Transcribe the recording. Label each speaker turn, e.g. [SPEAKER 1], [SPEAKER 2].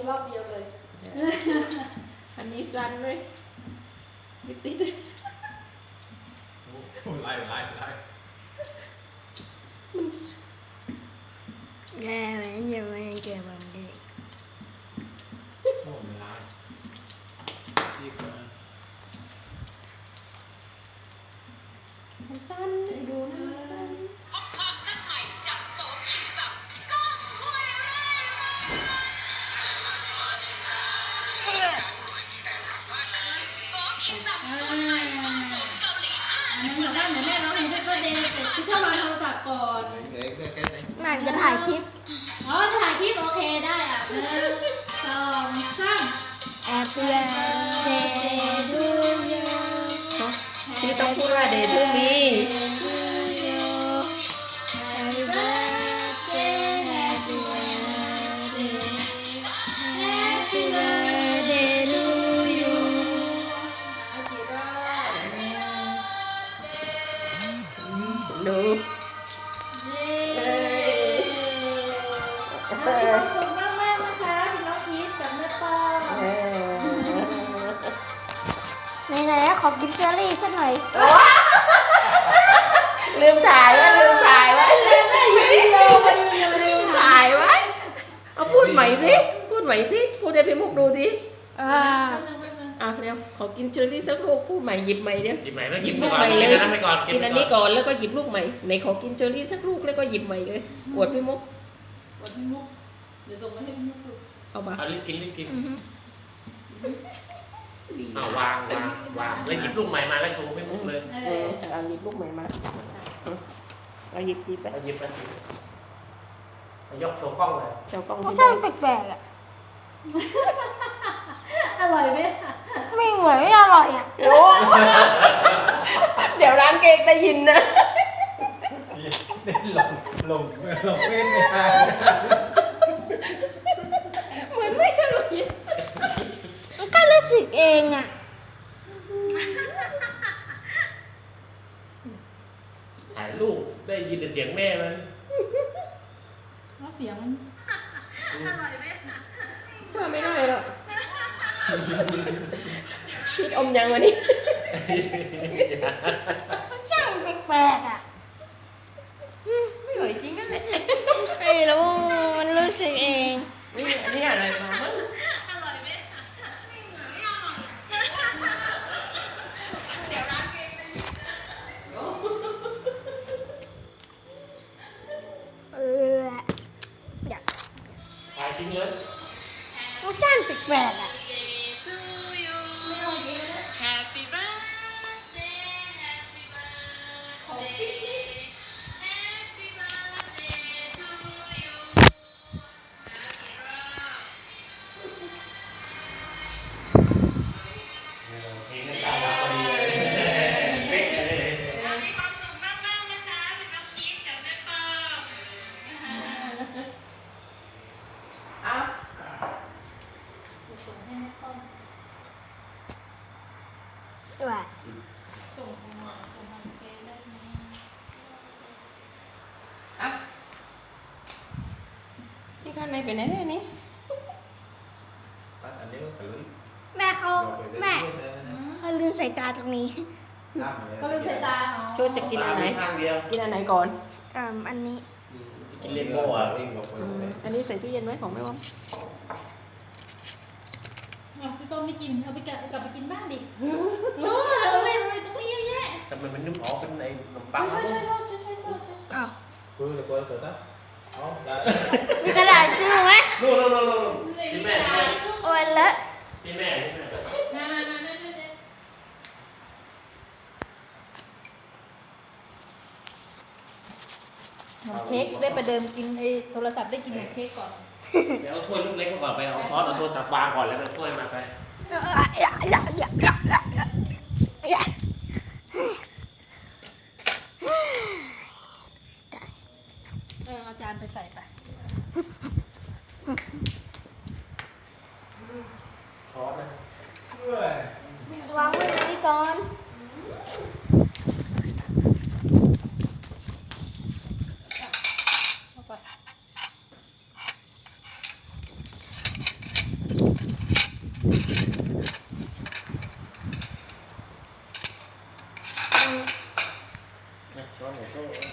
[SPEAKER 1] รอบเดียวเลย
[SPEAKER 2] อันนี้สั้นเลยไม่ติด
[SPEAKER 3] ไล่
[SPEAKER 2] มัน
[SPEAKER 4] แย่ไหมยังไม่เก็บมันดี
[SPEAKER 3] โอ้ไม่ไล่ที่เกิน
[SPEAKER 2] มันสั้นไอ้ดูนะมันสั้น
[SPEAKER 1] อันนั้นอยู่บ้านเดี๋ยวแม่ร้องเพลงให้ก็เดย์เสร็จพี่เข้ามารโทรศัพท์ก่อน
[SPEAKER 4] แม่จะถ่ายคลิป
[SPEAKER 1] อ๋อจะถ่ายคลิปโอเคได้อ่ะ1 2 3
[SPEAKER 4] Happy birthday to you
[SPEAKER 2] พี่ต้องพูดว่าเดย์ทูมี
[SPEAKER 4] Happy birthday Happy birthday Happy birthday to you
[SPEAKER 2] ดู
[SPEAKER 1] ขอบคุณมากมากนะคะพี่น้องพีชกับแม่ป้า
[SPEAKER 4] ไหนๆขอกินเชอรี่สักหน่อย
[SPEAKER 2] ลืมถ่ายไว้ลืมถ่ายไว้ลืมถ่ายไว้เอาพูดใหม่สิพูดใหม่สิพูดให้พี่มุกดูสิเร็วขอกินเชอร์รี่สักลูกพูดใหม่หยิบใหม่เดี๋ยว
[SPEAKER 3] หยิบใหม่แล้วหยิบไปก่อนกินอันนั้นไปก่อน
[SPEAKER 2] กินอันนี้ก่อนแล้วก็หยิบลูกใหม่ไหนขอกินเชอร์รี่สักลูกแล้วก็หยิบใหม่เลยอวดพี่มุก
[SPEAKER 1] วันพี่มุกเดี๋ยวส่งมาให้พี่มุกดู
[SPEAKER 2] เอามา
[SPEAKER 3] เอารีบกินวางแล้วหยิบลูกใหม่มาแล้วโชว์ไม่มุกเลย
[SPEAKER 2] เอาหยิบลูกใหม่มาเอาหยิบไป
[SPEAKER 3] เอาหยิบยกโชว์กล้องเลย
[SPEAKER 2] เจ้ากล้อง
[SPEAKER 4] รส
[SPEAKER 2] ที่
[SPEAKER 4] ชา
[SPEAKER 2] ได้
[SPEAKER 4] ติแปลกๆอ่ะ
[SPEAKER 1] อร่อยไหม
[SPEAKER 4] ไม่เหมือนไม่อร่อยอ่ะ
[SPEAKER 2] โอ้เดี๋ยวร้านเค้กได้ยินนะ
[SPEAKER 3] ลงเว้นไม่ได้
[SPEAKER 2] เหมือนไม่อร่อย
[SPEAKER 4] มันก็รู้สึกเองอ่ะ
[SPEAKER 3] ถ่ายรูปได้ยินแต่เสียงแม่มัน
[SPEAKER 1] แล้วเสียงมันอร่อยไหม
[SPEAKER 2] ว่าไม่ได้หรอกพี่อมยังวะนี่
[SPEAKER 4] รสชาติแปลกๆอ่ะ
[SPEAKER 2] ไม่อร่อยจริงนั่นแหละ
[SPEAKER 4] ไม่รู้มันรู้สึกเอง
[SPEAKER 2] นี่อันนี้อะไรมามั้ง
[SPEAKER 1] อร่อยไหม
[SPEAKER 4] เอออยาก
[SPEAKER 3] ถ่ายจริงเลย
[SPEAKER 4] รสชาติแปลกๆอ่ะ
[SPEAKER 1] Happy birthday Happy birthday Happy birthday to you
[SPEAKER 3] เพลงนั้นตามพอดีเลยเป๊ะเลย
[SPEAKER 1] มีความสุขมากๆนะคะพี่น้องพีชกับแม่ป้อม
[SPEAKER 2] เอา
[SPEAKER 1] ส่งให้แม่ป้อม
[SPEAKER 4] ด้วย
[SPEAKER 1] ส่งมาเฟซได้ไหม
[SPEAKER 2] เอาพี่ข้างในไปไหนเนี่ยนี่
[SPEAKER 4] แม่เขาลืมใส่ตาตรงนี้
[SPEAKER 1] ก็ลืมใส่ตาเนาะ
[SPEAKER 2] ช่วยจะกินอันไหน
[SPEAKER 3] ข้างเดียว
[SPEAKER 2] กินอันไหนก่อน
[SPEAKER 4] อันนี้
[SPEAKER 3] กินเลโก้อ่ะ
[SPEAKER 2] อันนี้ใส่ตู้เย็นไว้ของแม่วอม
[SPEAKER 1] พี่ป้อมไม่กินเอาไปกลับไปกินบ้านดิเอาไปตรงนี้เยอะแยะ
[SPEAKER 3] แต่มันนุ่มอ๋อเป็นไอ้ขนมปัง
[SPEAKER 1] ช่วย
[SPEAKER 4] อ้าว
[SPEAKER 3] อ๋อได้
[SPEAKER 4] มีกระดาษชื่อไหม
[SPEAKER 3] นู่นที่แม่
[SPEAKER 4] โอ้ยเลอะ
[SPEAKER 3] ที่แม่
[SPEAKER 1] มาเค้กได้ประเดิมกินไอ้โทรศัพท์ได้กินขนมเค้กก่อน
[SPEAKER 3] เดี๋ยวเอาถ้วยลูกเล็กมาก่อนไปเอาซอสเอาโทรศัพท์วางก่อนแล้วเอาถ้วยมาไป
[SPEAKER 1] เอาจานไปใส่ไป
[SPEAKER 3] ซอสนะ
[SPEAKER 4] วางไว้ตรงนี้ก่อน
[SPEAKER 2] หมูโต้